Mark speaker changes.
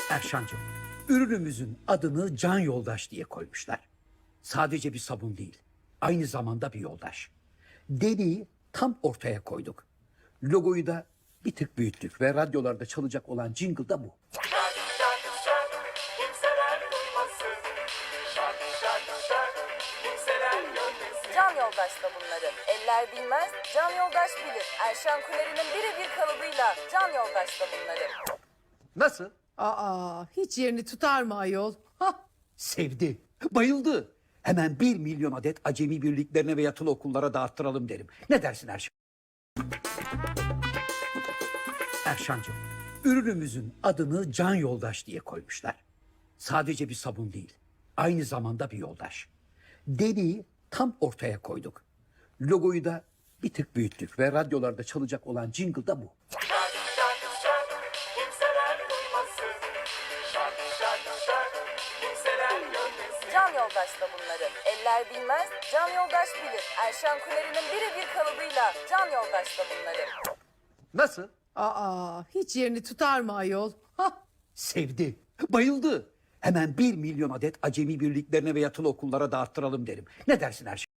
Speaker 1: Erşancığım, ürünümüzün adını Can Yoldaş diye koymuşlar. Sadece bir sabun değil, aynı zamanda bir yoldaş. Deliği tam ortaya koyduk. Logoyu da bir tık büyüttük ve radyolarda çalacak olan jingle da bu.
Speaker 2: Şarkı şarkı şarkı kimseler duymasın. Şarkı şarkı şarkı kimseler görmesin.
Speaker 3: Can Yoldaş da bunları. Eller bilmez, Can Yoldaş bilir. Erşan Kuneri'nin birebir kalıbıyla Can Yoldaş da bunları.
Speaker 1: Nasıl?
Speaker 4: Aa, hiç yerini tutar mı ayol? Hah,
Speaker 1: Sevdi, bayıldı. Hemen 1 milyon adet acemi birliklerine ve yatılı okullara dağıttıralım derim. Ne dersin Erşan? Erşancığım, ürünümüzün adını Can Yoldaş diye koymuşlar. Sadece bir sabun değil, aynı zamanda bir yoldaş. Deliği tam ortaya koyduk. Logoyu da bir tık büyüttük ve radyolarda çalacak olan jingle da bu.
Speaker 2: Şarkı şarkı şarkı kimseler duymasın. Şarkı şarkı şarkı kimseler görmesin.
Speaker 3: Can Yoldaş da bunları. Eller bilmez, Can Yoldaş bilir. Erşan Kuneri'nin birebir kalıbıyla Can Yoldaş da bunları.
Speaker 1: Nasıl?
Speaker 4: aa, hiç yerini tutar mı ayol? Hah,
Speaker 1: Sevdi, bayıldı. Hemen 1 milyon adet acemi birliklerine ve yatılı okullara dağıttıralım derim. Ne dersin Erşan?